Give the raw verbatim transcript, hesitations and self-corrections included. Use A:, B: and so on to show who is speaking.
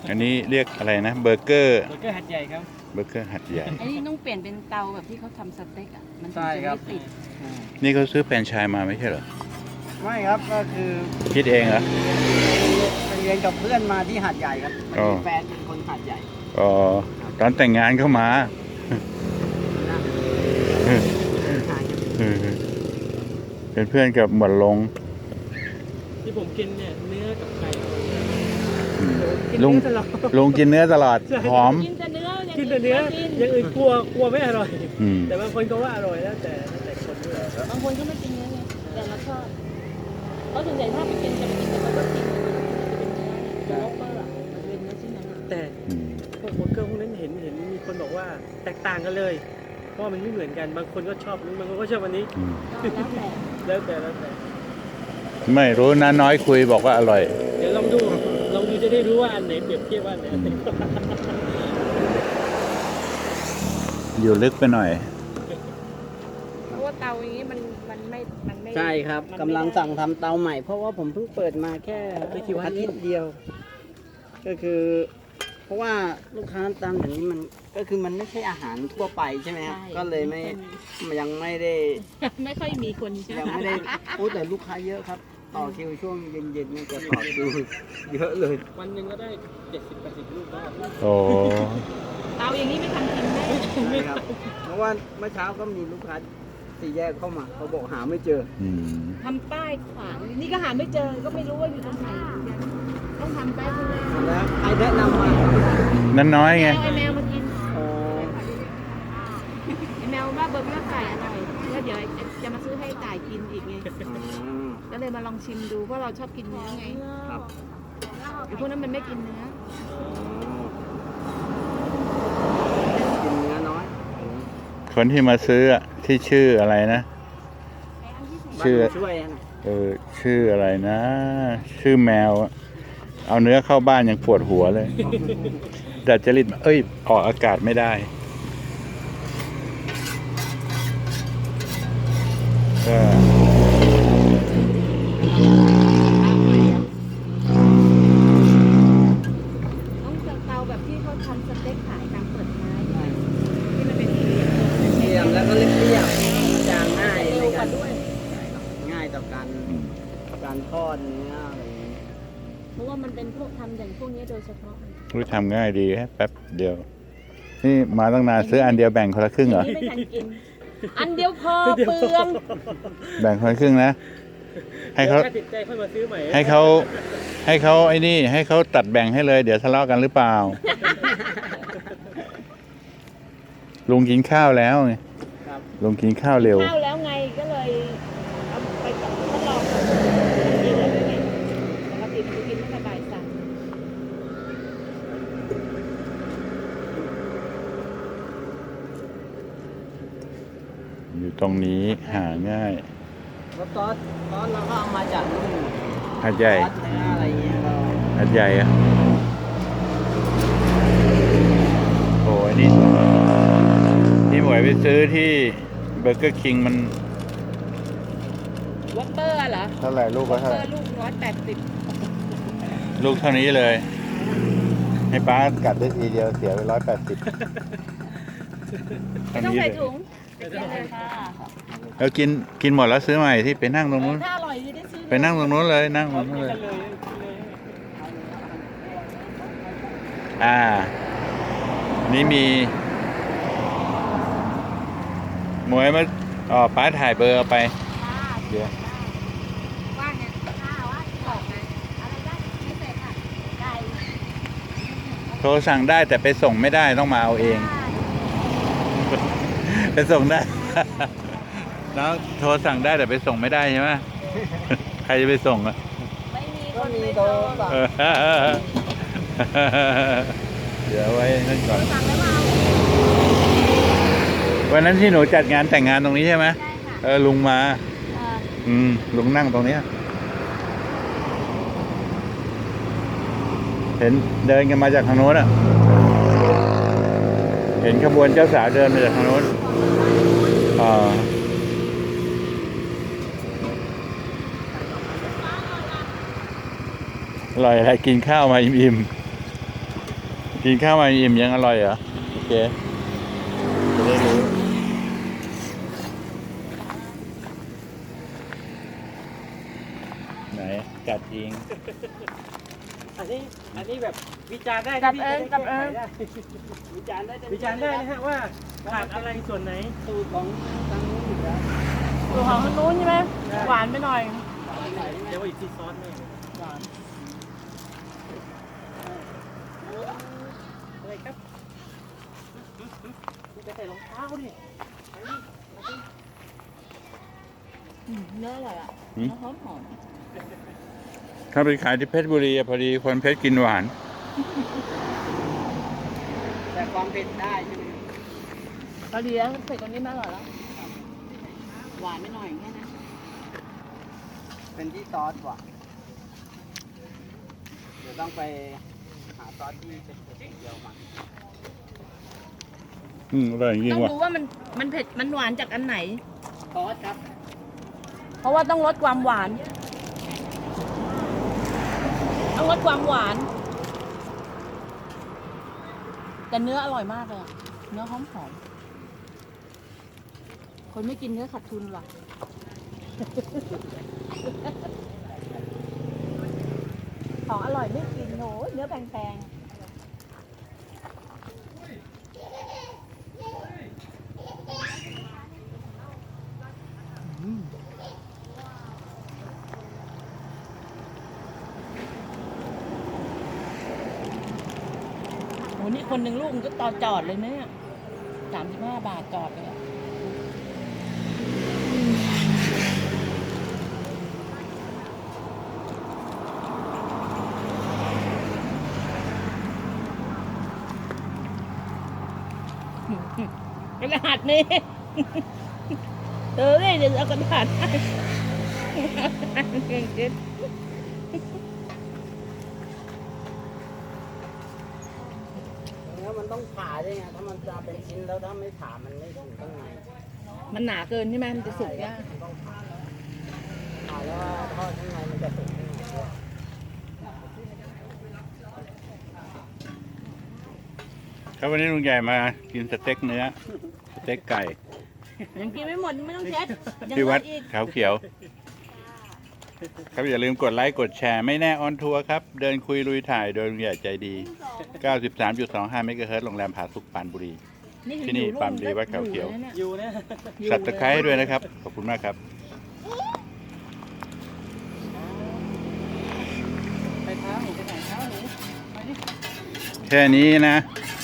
A: อันนี้เรียกอะไรนะเบอร์เกอร์
B: เบอร์เกอร์หัดใหญ่ครับ
A: เบอร์เกอร์หัดใหญ่
C: อันนี้ต้องเปลี่ยนเป็นเตาแบบที่เขาทำสเต็กอ่ะมันถึง
B: ใช่
C: จะ
B: ครั
C: ไม่
B: บ
C: ติด
A: นี่เขาซื้อแฟรนไชส์มาไม่ใช่เหรอ
B: ไม่ครับก็คือ
A: คิดเองเหรอ
B: ไปเรียนกับเพื่อนมาที่หัดใหญ่ครับ
A: อ๋อ
B: แฟนเป็นคนหัดใหญ่
A: อ๋อตอนแต่งงานเข้ามาเป็นเพื่อนกับหมวดลง
B: ที่ผมกินเนี่ยเนื้อกับไก่
A: ลุงลุงกินเนื้อตลอดหอม
C: กินแต่เนื้อ
B: กินแต่เนื้ออย่างอื่นกลัวกลัวไม่อร่อย
A: อืม
B: แต่บางคนก็ว่าอร่อยแล้วแต่แล้วแต่คนด้วย
C: บางคนก็ไม่กินเนื้อไงแต่เราชอบเพราะส่วนใหญ่ถ้าไปกินจะไปกินแต่เราก็กินจะเป็นเนื้อเนี่ยโลเปอร์อ่ะมันเป็นเนื้อชิ้นนั้น
B: แต่
A: อืม
B: พวกเบอร์เกอร์พวกนั้นเห็นเห็นมีคนบอกว่าแตกต่างกันเลย เพราะมันไม่เหมือนกันบางคนก็ชอบนู้นบางคนก็ชอบอันนี้
A: อืม
C: แล้วแต่
B: แล้วแต่แล้วแต่
A: ไม่รู้นะน้อยคุยบอกว่าอร่อย
B: เดี๋ยวลองดูลองดูจะได้รู้ว่าอันไหนเปรียบเทียบว่าอันไหน
A: อยู่ลึกไปหน่อย
C: เพราะว่าเตาอย่างนี้มันมันไม่มันไม่
D: ใช่ครับ
C: มันไม่
D: กำลัง
C: ได้
D: สั่งทำเตาใหม่ เพราะว่าผมเพิ่งเปิดมาแค่อาทิตย์เดียว ก็คือ เพราะว่าลูกค้าตามอย่างนี้มันก็คือมันไม่ใช่อาหารทั่วไปใช่ไหมครับ
C: ใช่
D: ก็เลยไม่ยังไม่ได้
C: ไม่ค่อยมีคนใช่ไหม
D: ยังไม่ได้พูดแต่ลูกค้าเยอะครับ ต่อคิวช่วงเย็นๆนี่จะต่อคิวเยอะเลย
B: วันหนึ่งก็ได้เจ็ดสิบแปดสิบลูกแล้ว
A: โอ้
C: เตาอย่างนี้ไม่ทำกินได้
D: ใช่ครับ เพราะว่าเมื่อเช้าก็มีลูกค้าสี่แยกเข้ามาเขาบอกหาไม่เจอ
A: อืม
C: ทำป้ายขวางนี่ก็หาไม่เจอก็ไม่รู้ว่าอยู่ตรงไหนเหมือนกันต้องทำป้ายข้างหน้า
D: แล้วใครแนะนำมา
A: นั่นน้อยไง
C: เอาไอแมวมากิน
D: อ๋อ
C: ไอแมวว่าเบอร์เกอร์ไก่อร่อยแล้วเดี๋ยวจะมาซื้อให้ไก่กินอีกไง
D: อ๋อ
C: ก็เลยมาลองชิมดูเพราะเราชอบกินเนื้อไง
D: ครับ
C: ไอพวกนั้นมันไม่กินเนื้อ
D: กินเนื้อน้อย
A: คนที่มาซื้ออะที่ชื่ออะไรนะ ชื่อ
D: บ้านช่วยนะ
A: เออชื่ออะไรนะ ชื่อแมวอะเอาเนื้อเข้าบ้านยังปวดหัวเลยดัดจริตเอ้ย ออกอากาศไม่ได้ก็
C: ต้องเจอเตาแบบที่เขาทำสเต็กขายตามเปิดท้ายที่มันเป็นสี่เหลี่ยม
D: เรียมแล้วก็เรียบเรียบจางง่าย
C: เร็
D: ใน
C: วก
D: กา
C: ว่าร ด้วย
D: ง่ายต่อการการทอดเนื้ออะไรอย่างเงี้ย
C: เพราะว่ามันเป็นพวกทำอย่างพวกนี้โดยเฉพาะ
A: รู้ทำง่ายดีแค่แป๊บเดียว นี่มาตั้งนานซื้ออันเดียวแบ่งคนละครึ่งเหรอ
C: ไม่ทันกิน อันเดียวพอเปลือง
A: แบ่งคนละครึ่งนะ ให้เขา
B: ถ้าติดใจค่อยมาซื้อใหม่
A: ให้เขาให้เขาไอ้นี่ ให้เขาตัดแบ่งให้เลย เดี๋ยวทะเลาะกันหรือเปล่า ลุงกินข้าวแล้วไง
D: ครับ
A: ลุงกินข้าวเร็ว
C: ข้าวแล้วไงก็เลยเอาไปทดลองกินเลยไงปกติมันจะกินตั้งแต่บ่ายสาม
A: อยู่ตรงนี้หาง่าย
D: แล้วซอสซอสเราก็เอามาจากนู่น
A: หัดใหญ่
D: ซอสเนื้ออะไรเงี้ยเรา
A: หัดใหญ่อะโอ้ยนี่ที่หมวยไปซื้อที่เบอร์เกอร์คิงมัน
C: วอปเปอร์เหรอ
A: เท่าไหร่ลูกก็
C: วอป
A: เท่า
C: เป
A: ไห
C: อ
A: ร่
C: ร์ลูกร้อยแปดสิบ
A: ลูกเท่านี้เลย ให้ป้ากัดได้ทีเดียวเสียไปร้อยแปดสิบ
C: ไม่ต้องใส่ถุงไปกินเลยค่ะ
A: แล้วกินกินหมดแล้วซื้อใหม่ที่ไปนั่งตรงนู้น
C: ถ้าอร่อยจะได้ซื้อ
A: ไปนั่งตรงนู้นเลยนั่งตรงนู้นเลย อ่า นี่มีหมวยมาอ๋อป้าถ่ายเบอร์เอาไป เดี๋ยว
C: ว่าไงข้าวว่าบอกไงอะไรได้ไม่เสร็จค่ะไก่
A: โทรสั่งได้แต่ไปส่งไม่ได้ต้องมาเอาเอง ไปส่งได้ แล้วโทรสั่งได้แต่ไปส่งไม่ได้ใช่ไหม ใครจะไปส่งอ่ะ
C: ไม่มีค
D: ก็
C: น
D: มี
C: ไป
D: โทร
C: ส่ง
D: ศัพท์
A: เออเดี๋ยวไว้นั่นก่อน
C: สั่งแล้วมาเอา
A: วันนั้นที่หนูจัดงานแต่งงานตรงนี้ใช่ไหม
C: ได้ค่ะ
A: เออลุงมา
C: เอ่อ
A: อืมลุงนั่งตรงเนี้ยเห็นเดินกันมาจากทางโน้นอ่ะ เห็นขบวนเจ้าสาวเดินมาจากทางโน้นอ่าอร่อยอะไรกินข้าวมาอิ่มๆกินข้าวมาอิ่มยังอร่อยเหรอ โอเค จะได้รู้ ไหน กัดเอง
B: อันนี้อันนี้แบบวิจารณ์ได้
C: จั
B: นะ
C: บ
B: พี่
C: เอง
B: จะ
C: จับเอ
B: ได้
C: ง
B: ได้
D: วิจารณ์ได้เต็ม
B: วิจารณ์ได้นะฮะว่าขาดอะไรส่วนไหน
D: สูตรของทางนู้นอยู่แล้ว
C: สูตรของทางนู้นใช่ไหมหวานไปหน่อย
B: เดี๋ยวอีกทีซอสแม่
C: หวาน
B: อะไรครับไปใส่รองเท้าดิ
C: อืมเนื้ออร่อยอ่ะ
A: หืม
C: เนื้อหอมหอม
A: ถ้าไปขายที่เพชรบุรีอะพอดีคนเพชรกินหวาน
D: แต่ความเผ็ดได้ใช่ไหม
C: พอดีแล้วเผ็ดตรงนี้ไม่อร่อยแล้วหวานไปหน่อยแค่นั้น
D: เป็นที่ซอสว่ะเดี๋ยวต้องไปหาซอสที่เป็นเผ็ดเดียวมา
A: อืมอร่อยจริง
C: ต้อง
A: ว่ะ
C: ดูว่ามันมันเผ็ดมันหวานจากอันไหน
D: ซอสครับ
C: เพราะว่าต้องลดความหวาน ต้องลดความหวาน แต่เนื้ออร่อยมากเลยอะเนื้อหอมหอมคนไม่กินเนื้อขาดทุนว่ะ ของอร่อยไม่กินโหเนื้อแพงๆอืมโหนี่คนหนึ่งลูกมันก็ต่อจอดเลยนะเนี่ยสามสิบห้าบาทจอดเลยอะกระดาษนี่ เออเนี่ยเดี๋ยวเอากระดาษให้เก่งจริง
D: แล้วมันต้องผ่าด้วยไงถ้ามันจะเป็นชิ้นแล้วถ้าไม่ผ่ามันไม่ถึงข้างใน
C: มันหนาเกินใช่ไหมมันจะสุกยาก
D: มันต้องผ่าผ่าแล้วทอดข้างในมันจะสุกข้างในด้วย
A: ครับวันนี้ลุงใหญ่มากินสเต็กเนื้อ สเต็กไก่
C: ยังกินไม่หมดไม่ต้องเช็ดยัง
A: ที่
C: เหลื
A: วั
C: อ
A: ด
C: อีก
A: เขาเขียว ครับอย่าลืมกดไลค์กดแชร์ไม่แน่ออนทัวร์ครับ เดินคุยลุยถ่ายโดยลุงใหญ่ใจดี เก้าสิบสามจุดสองห้า เมกะเฮิรตซ์โรงแรมผาสุกปรานบุรี ที่นี่
C: อยู่
A: ปั๊มดีวัดเขาเขียว
C: อยู่นะนี่
B: อยู่นะ
A: สับตะไคร้ให้ด้วยนะครับ ขอบคุณมากครับ
B: ไปเท้าหนูไปไหนเท้าหนูไปดิ
A: แค่นี้นะ
B: ไ